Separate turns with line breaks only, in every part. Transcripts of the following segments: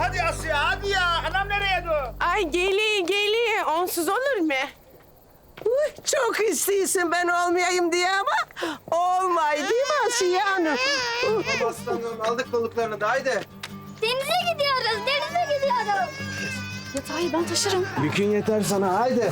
hadi Asya, hadi ya. Anam nereye dur?
Ay geliyor. Onsuz olur mu?
Çok istiyorsun ben olmayayım diye ama olmay değil mi Asiye Hanım?
Aslanım aldık balıklarını da haydi.
Denize gidiyoruz. Yatağı ben taşırım.
Yükün yeter sana haydi.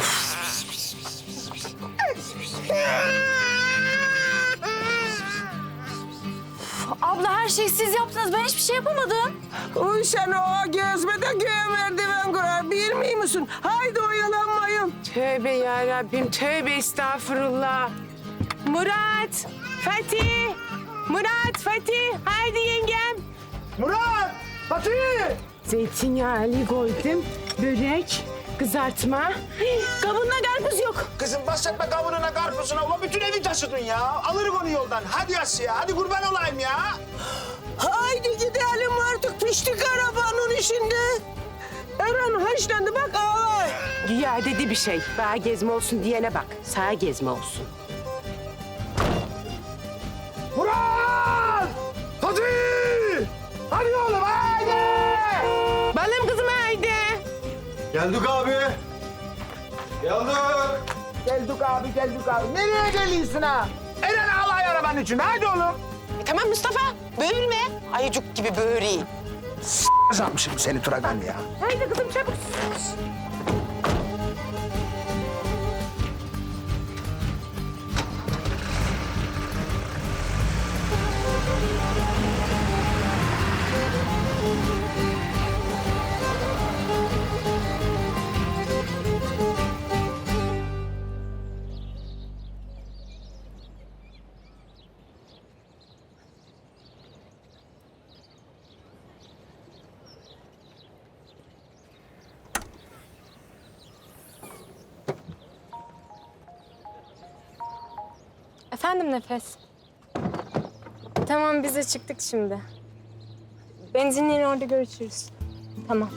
Abla her şeyi siz yaptınız. Ben hiçbir şey yapamadım.
Uy sen o gezmede göğe merdiven kurar bilmiyor musun? Haydi oyalanmayın.
Tövbe yarabbim, tövbe estağfurullah. Murat, Fatih. Murat, Fatih. Haydi yengem.
Murat! Fatih!
Zeytinyağlı koydum. Börek, kızartma. Kabında karpuz yok.
Kızım bahsetme kavununa, karpuzuna. Ulan bütün evi taşıdın ya. Alırız onu yoldan. Hadi Asya, hadi kurban olayım ya.
Haydi gidelim artık piştik arabanın içinde. Eren haşlandı bak ağlar.
Güya dedi bir şey. Bana gezme olsun diyene bak. Sağa gezme olsun.
Murat! Fatih! Hadi oğlum, haydi!
Balım kızım haydi.
Geldik abi. Geldik.
Geldik abi. Nereye geliyorsun ha? Eren alay arabanın içinde. Haydi oğlum.
Tamam Mustafa, böğürme. Ayıcık gibi böğüreyim.
Kazanmışım seni Turagan ya.
Haydi kızım çabuk.
Efendim Nefes. Tamam biz de çıktık şimdi. Benzinliğin orada görüşürüz. Tamam.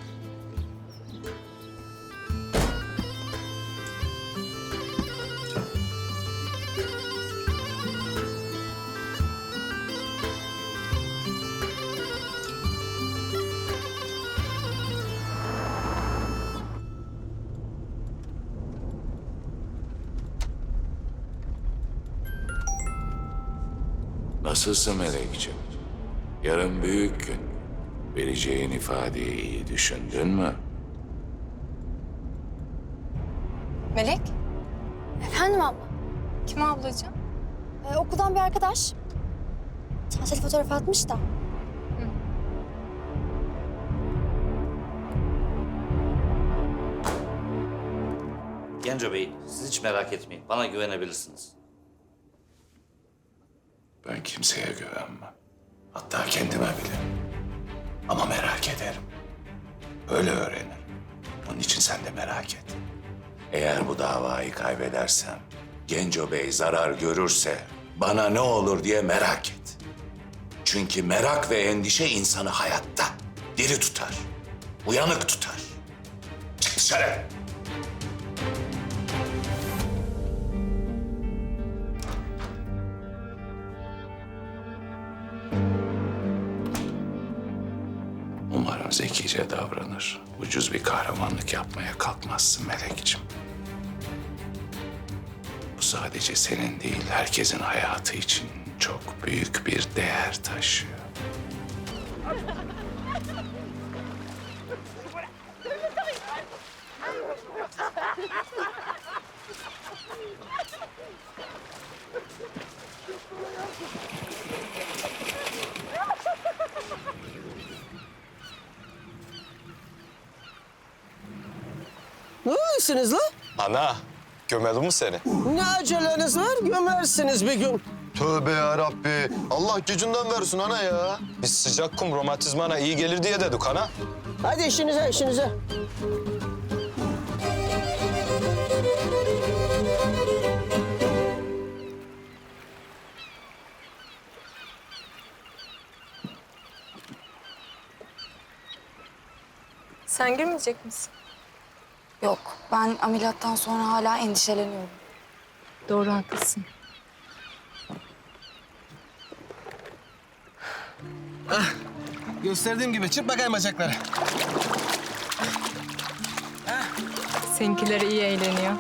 Nasılsın Melekciğim? Yarın büyük gün. Vereceğin ifadeyi iyi düşündün mü?
Melek?
Efendim abla.
Kim ablacığım?
Okuldan bir arkadaş. Tatil fotoğrafı atmış da.
Genco Bey, siz hiç merak etmeyin. Bana güvenebilirsiniz.
Ben kimseye güvenmem. Hatta kendime bile. Ama merak ederim. Öyle öğrenirim. Onun için sen de merak et. Eğer bu davayı kaybedersem, Genco Bey zarar görürse bana ne olur diye merak et. Çünkü merak ve endişe insanı hayatta diri tutar, uyanık tutar. Çık dışarı. Umarım zekice davranır. Ucuz bir kahramanlık yapmaya kalkmazsın Melekciğim. Bu sadece senin değil, herkesin hayatı için çok büyük bir değer taşıyor.
Ne oluyorsunuz lan?
Ana, gömelim mi seni?
Ne aceleniz var gömersiniz bir gün.
Tövbe ya Rabbi. Allah gücünden versin ana ya. Biz sıcak kum romatizmana iyi gelir diye dedik ana.
Hadi işinize.
Sen girmeyecek misin?
Yok, ben ameliyattan sonra hala endişeleniyorum.
Doğru haklısın.
Gösterdiğim gibi çırp bakayım bacakları.
Seninkiler iyi eğleniyor.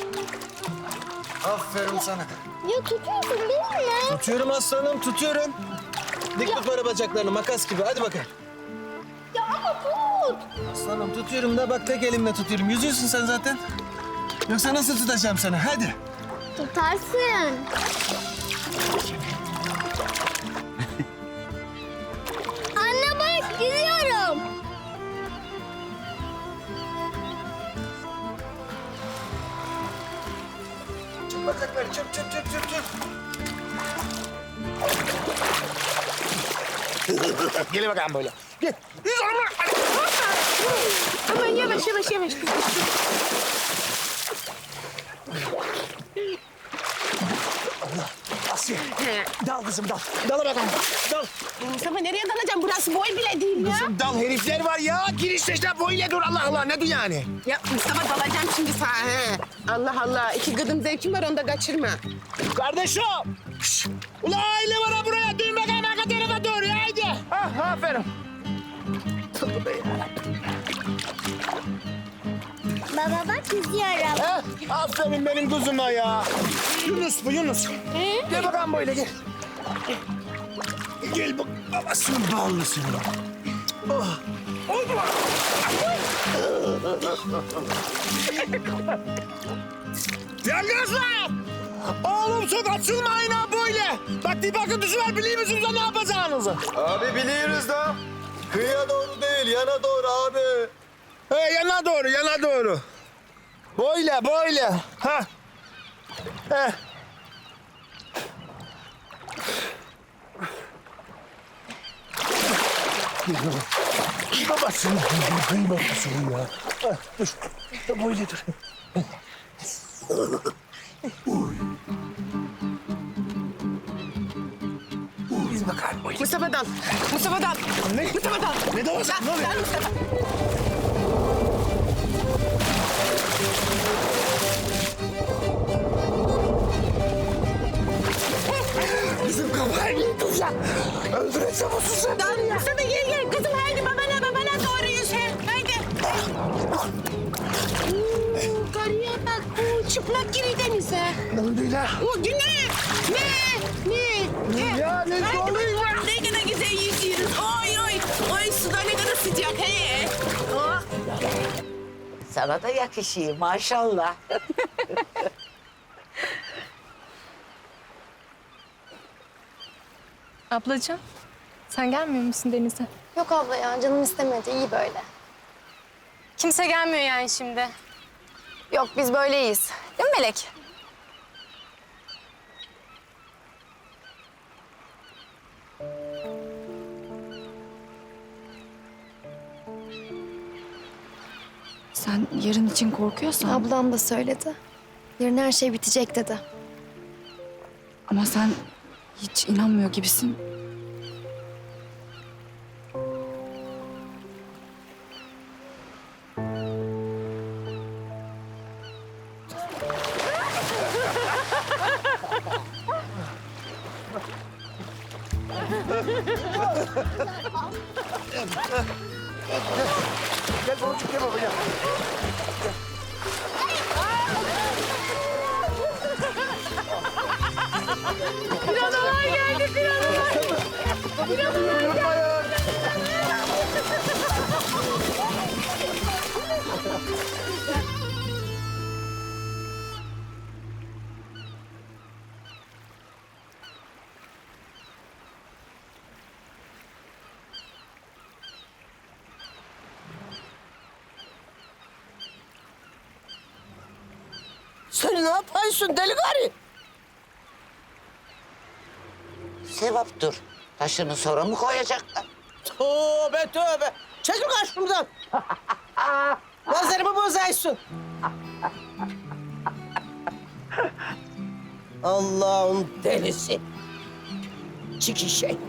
Aferin sana.
Ya tutuyorsun değil mi?
Tutuyorum aslanım, tutuyorum. Dik tut böyle bacaklarını, makas gibi. Hadi bakalım.
Ya ama tut.
Aslanım tutuyorum da bak tek elimle tutuyorum. Yüzüyorsun sen zaten. Yoksa nasıl tutacağım seni? Hadi.
Tutarsın. Anne bak gidiyorum.
Çırp bacakları, çırp, çırp, çırp, çırp, çırp.
Gel bakalım böyle. Gel.
Aman yavaş yavaş yavaş.
Asiye. Dal kızım dal. Dal bakalım. Dal.
Mustafa nereye dalacağım? Burası boy bile değil ya.
Kızım dal herifler var ya. Girişte işte boyuyla dur Allah Allah. Ne dur yani?
Ya Mustafa dalacağım şimdi sana. He. Allah Allah. İki gıdım zevkim var onu da kaçırma.
Kardeşim. Şşş. Ulan aile var ha buraya. Dön bakalım arka tarafa doğru. Haydi. Ah, aferin.
Baba bak gidiyorum.
Aferin benim kuzuma ya. Yunus bu Yunus. Gel bakalım böyle gel. Gel bak babasının bağlısın. Oh. Oldu mu? Yalnız lan! Oğlum çok açılmayın ha böyle. Bak bir bakın düşüver biliyor musunuz da ne yapacağınızı?
Abi biliyoruz da. Kıyıya doğru değil, yana doğru abi.
Yana doğru, yana doğru. Böyle, böyle. Ha. He. Babasını babasını ya. Dur, böyle dur. Biz bakalım böyle.
Mustafa dal. Mustafa dal.
Ne?
Mustafa dal.
Ne de olsa ne oluyor?
Dal Mustafa.
Bizim kafayı yedin ya. Öldüreceğim o susu.
Dal Mustafa gel. Kızım haydi babana doğru yüz. Haydi. Karıya bak. Çıplak giri denize.
Ne oldu lan?
O ne? Ne?
Ya ne
Haydi
oluyor?
bakalım, ne kadar güzel yüzüyoruz. Oy oy. Oy suda ne kadar sıcak. He. Oh.
Sana da yakışıyor maşallah.
Ablacığım, sen gelmiyor musun denize?
Yok abla ya canım istemedi iyi böyle.
Kimse gelmiyor yani şimdi.
Yok biz böyleyiz. Değil mi Melek?
Sen yarın için korkuyorsan...
Ablam da söyledi. Yarın her şey bitecek dedi.
Ama sen hiç inanmıyor gibisin.
Gel babacık gel baba gel.
Piranalar geldi piranalar. Piranalar geldi.
Sen ne yapıyorsun deli karı?
Sevaptır. Taşını sonra mı koyacaklar?
Tövbe tövbe. Çekil karşımdan. Nazarımı bozaysın. Allah'ın delisi. Çiki şey.